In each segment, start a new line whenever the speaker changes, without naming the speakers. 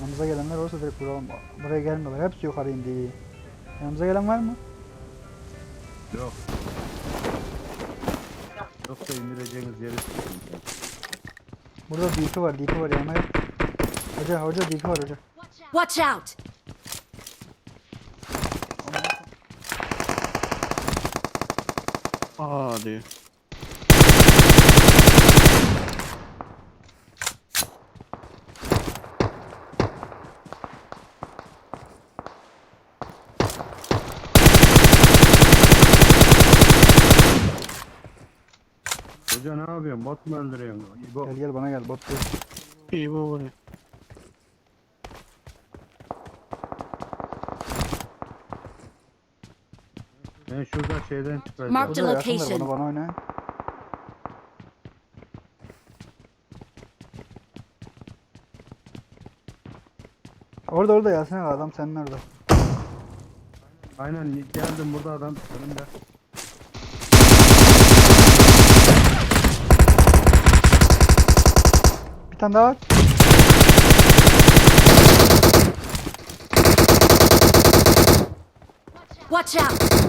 Yanımıza gelenler olursa direkt vuralım. Buraya gelmiyorlar. Hepsi yukarı indi. Yanımıza gelen var mı?
Yok. Yoksa indireceğiniz yeri sıkıntı.
Burada DP var. DP var yanıma. Hoca DP var hoca.
Watch out!
Aa diyor.
Hoca ne yapıyorsun? Bot mu öldürüyorsun? İbo.
Gel bana gel bot değil.
İyi bu vuruyor.
Ben şurada şeyden çıkacağım.
Mark-
Hoca yakınlar
location.
bana oynayın. Orada Yasin abi adam senin orada.
Aynen geldim burada adam önümde.
Bir tane daha var.
Watch out!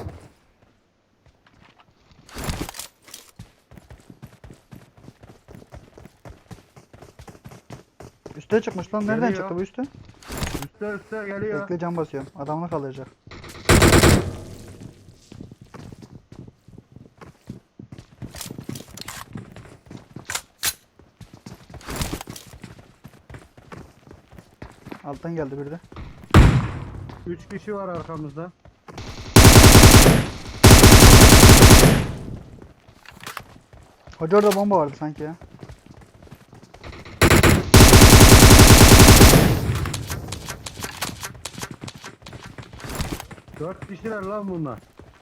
Üste çıkmış lan. Nereden
Geliyor.
çıktı bu üste?
Üste geliyor.
Bekle can basıyorum. Adamını kalacak. Alttan geldi biri de.
3 kişi var arkamızda.
Hoca orada bomba vardı sanki ya.
Dört kişiler lan bunlar.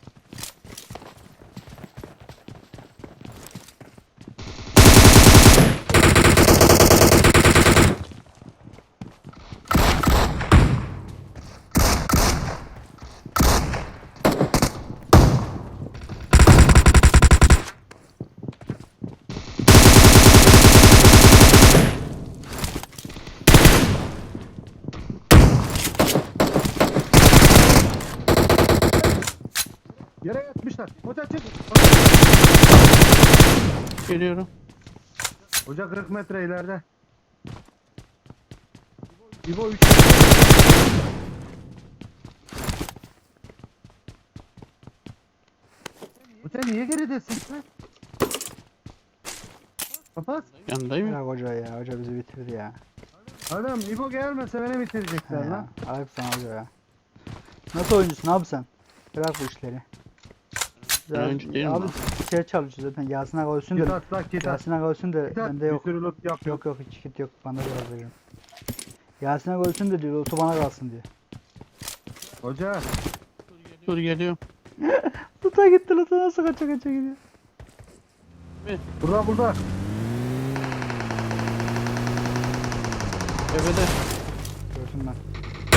Yere yatmışlar. Hoca çık.
Geliyorum.
Hoca 40 metre ileride. İbo 3. Hoca niye geridesin sen? Kapat.
Yanındayım ya.
Ya hoca ya. Hoca bizi bitirdi ya.
Adam İbo gelmese beni
He
bitirecekler
ya.
lan.
Ayıp sana hoca ya. Nasıl oyuncusun abi sen? Bırak bu işleri.
Ben oyuncu değilim
abi
lan.
şey çalışıyor zaten. Yasin Aga ölsün
Git
de.
at lan git at.
Yasin Aga ölsün de
Git at.
bende
Bir
yok.
sürü loot yap.
Yok hiç kit yok. Bana biraz veririm. Yasin Aga ölsün de diyor. Otu bana kalsın diyor.
Hoca.
Dur geliyorum.
Luta gitti Luta nasıl kaça gidiyor.
Burada.
Tepede.
Görsün ben.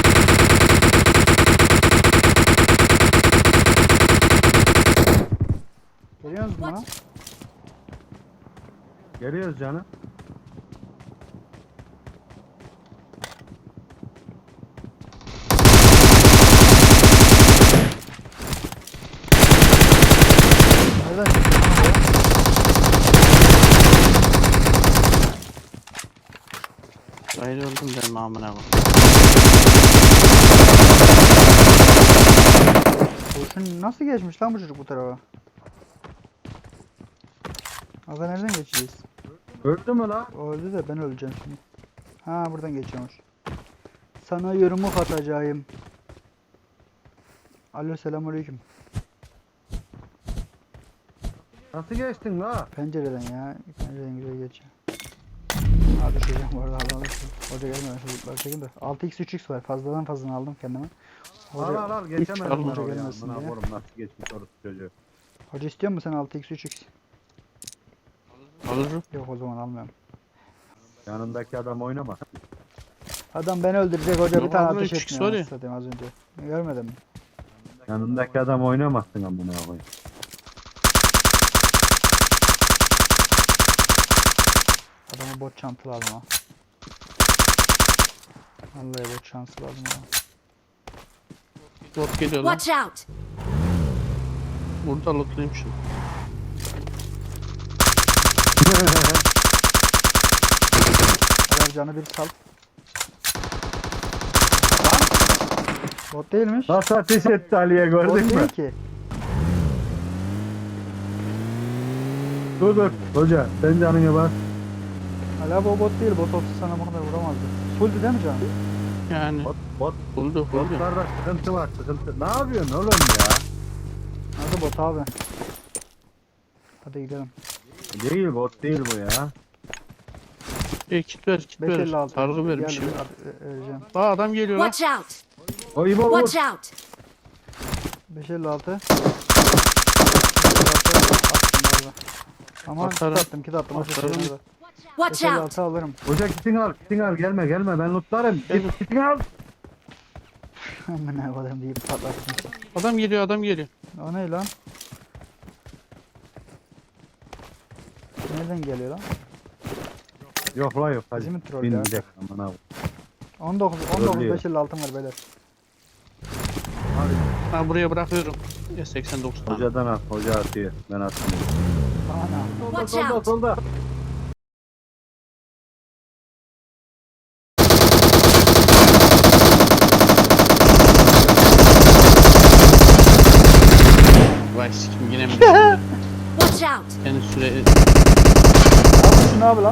Geliyor musun bana?
Geliyoruz canım.
Nereden çıktın lan buraya?
Gayrı öldüm benim amına koyayım.
Kurşun nasıl geçmiş lan bu çocuk bu tarafa? Aga nereden geçeceğiz?
Öldü mü lan?
O öldü de ben öleceğim şimdi. Ha buradan geçiyormuş. Sana yumruk atacağım. Alo selamünaleyküm.
Nasıl geçtin la?
Pencereden ya. Pencereden güzel geçiyor. Ha düşeceğim bu arada Allah'a düştüm. Hoca gelmeden çocuklar çekin de. 6x 3x var. Fazladan aldım kendime. Hoca,
Al geçemedim
Hiç
ben
hoca
oraya.
gelmesin
Buna
diye.
korum nasıl geçmiş orası çocuğu.
hoca istiyor musun sen 6x 3x?
Alırım.
Yok o zaman almıyorum.
Yanındaki adam oynama.
Adam beni öldürecek hoca bir
Yok,
tane
alma,
ateş
3x
etmiyor.
var ya.
anasını satayım az önce. Görmedin mi?
Yanındaki adam oynamazsın amına koyayım.
Adamı bot çantalı alma. Vallahi bot şansı lazım ya.
Bot geliyor lan.
Watch out!
Burada lootlayayım şunu.
Eğer canı bir sal. Bot değilmiş.
Nasıl ateş etti Ali'ye
Bot
gördün mü?
değil ki.
Dur dur. Hoca sen canını bas.
Hala bu bot değil. Bot olsa sana bu kadar vuramazdı. Fulldü değil mi canım?
Yani
Bot.
buldu.
Botlarda sıkıntı var sıkıntı. Ne yapıyorsun oğlum ya?
Hadi bot abi. Hadi gidelim.
Değil bot değil bu ya.
Kit ver kit ver.
556.
Sargı ver bir
Gel,
şey ver.
vereceğim.
Aa adam geliyor lan.
Watch out!
O İbo vur.
Watch out!
556. 556 attım. Ama
Atarım.
kit attım. Başka
Atarım.
şeyler var.
Watch out!
556 alırım.
Hoca kitini al gelme ben lootlarım. Git kitini al.
Amına koyayım deyip patlattım.
Adam geliyor.
O ne lan? Nereden geliyor lan?
Yok la yok hadi.
Bizi mi troll
Bin
ya?
gidelim aman abi.
19
Trollüyor.
556 var beyler.
Ben buraya bırakıyorum. S89 tane.
Hocadan at hoca atıyor. Ben atmıyorum.
Ana.
Watch out!
solda.
Vay sikim yine mi dedin?
Watch out!
Yani süre...
Abi şunu abi lan.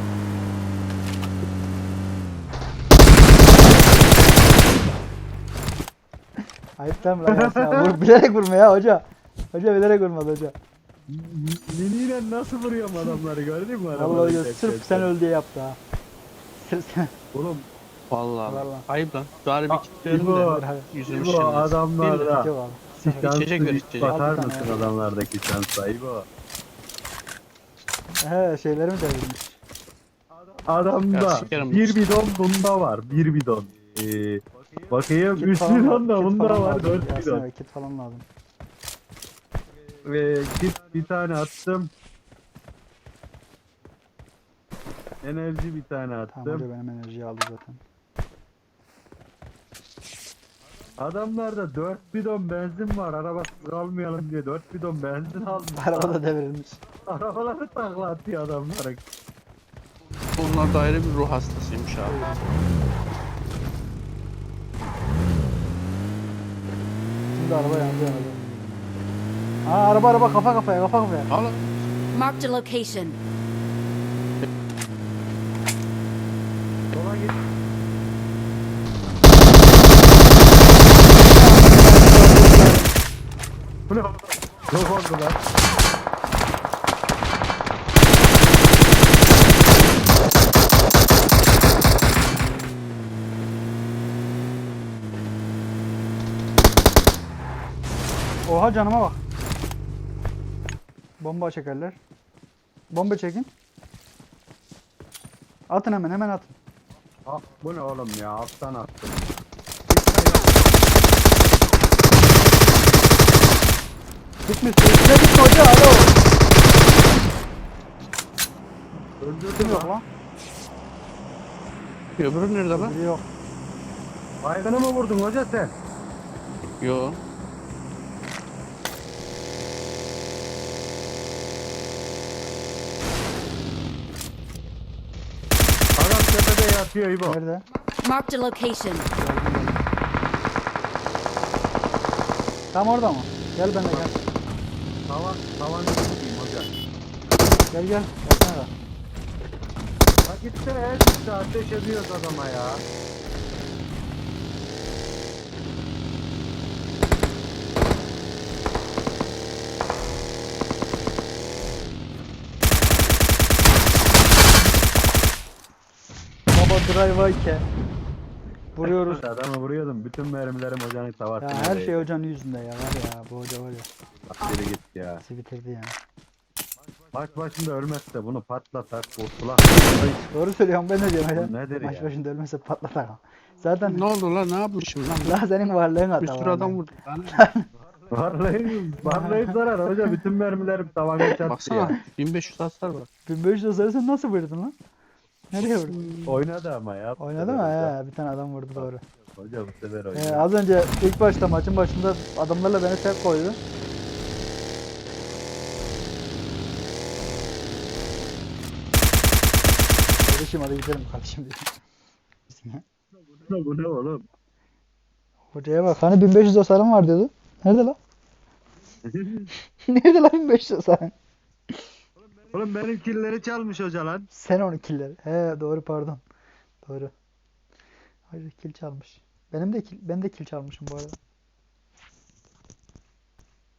Ayıp lan bırak Yasin abi. Bilerek vurma ya hoca. Hoca bilerek vurmadı hoca.
Miniyle nasıl vuruyorum adamları gördün mü?
Vallahi
adamları
hoca
tek
sırf
tek
sen
tek?
öl diye yaptı ha. Sırf sen.
Oğlum
Vallahi.
Vallahi.
Ayıp lan. Bari bir kit verin
İbo,
de. Yüzümüz
İbo
şimdi.
adamlarda.
Yok abi.
Şansı
İçecek ver,
bir
içecek.
bakar
Al bir tane
mısın
ya.
adamlardaki şansa İbo?
He şeylerimi devirmiş.
Adamda
Ya sikerim
bir
bu.
bidon bunda var. Bir bidon. Bakayım 3 bidon da bunda var. 4 bidon.
Yasin kit falan lazım.
Ve kit bir tane attım. Enerji bir tane
Tamam hoca
attım.
benim enerjiyi aldı zaten.
Adamlarda 4 bidon benzin var. Arabası kalmayalım diye 4 bidon benzin almış.
Araba da devrilmiş.
Arabaları takla atıyor adamlara.
Bunlar da ayrı bir ruh hastasıymış abi.
Şimdi araba yandı yandı. Aa araba kafa kafaya.
Al.
Marked a location.
Sola git. Bu ne? Yok oldu lan.
Oha canıma bak. Bomba çekerler. Bomba çekin. Atın hemen atın.
Ah, bu ne oğlum ya? Alttan attım.
Gitmiş. Üstüne gitme hoca. Alo. Kim
Öldürdüm
yok
lan.
lan?
Öbürü nerede lan?
Biri yok.
Baygını mı vurdun hoca sen?
Yo.
Adam tepede yatıyor İbo.
Nerede?
Marked a location.
Tam orada mı? Gel benimle gel.
Tavan tutayım hoca.
Gel. Gelsene de.
Bak gitsene her gitti ateş ediyoruz adama ya.
Baba drive ke. Vuruyoruz.
Adamı vuruyordum. Bütün mermilerim hocanın
Ya
tavasına.
her şey hocanın yüzünde ya. Var ya bu hoca var ya.
Bak geri git ya.
Bizi bitirdi yani.
Maç başında ölmezse bunu patlatak kurtulak.
Doğru söylüyorum ben de diyorum
Bu
ya.
nedir
Maç
ya?
başında ölmese patlatar. Zaten
Ne oldu lan? Ne yapmışım lan?
la senin varlığın hata
Bir sürü
var
adam
lan.
vurdu. Lan.
Varlayıp zarar hoca. Bütün mermilerim tavana çarptı
Baksana.
ya.
1500 hasar var.
1500 hasarı sen nasıl vurdun lan? Nereye vurdu?
Oynadı ama ya. bu
Oynadı mı?
sefer
He, bir tane adam vurdu doğru.
Hoca bu sefer oynadı.
Az önce ilk başta maçın başında adamlarla beni tek koydu. Kardeşim hadi gidelim kardeşim diye.
Bu ne oğlum?
Hocaya bak hani 1500 hasarım var diyordu. Nerede lan? Nerede lan 1500 hasarım?
Oğlum benim killeri çalmış hoca lan.
Sen 12 killer. He doğru pardon. Doğru. Hayır kill çalmış. Ben de kill çalmışım bu arada.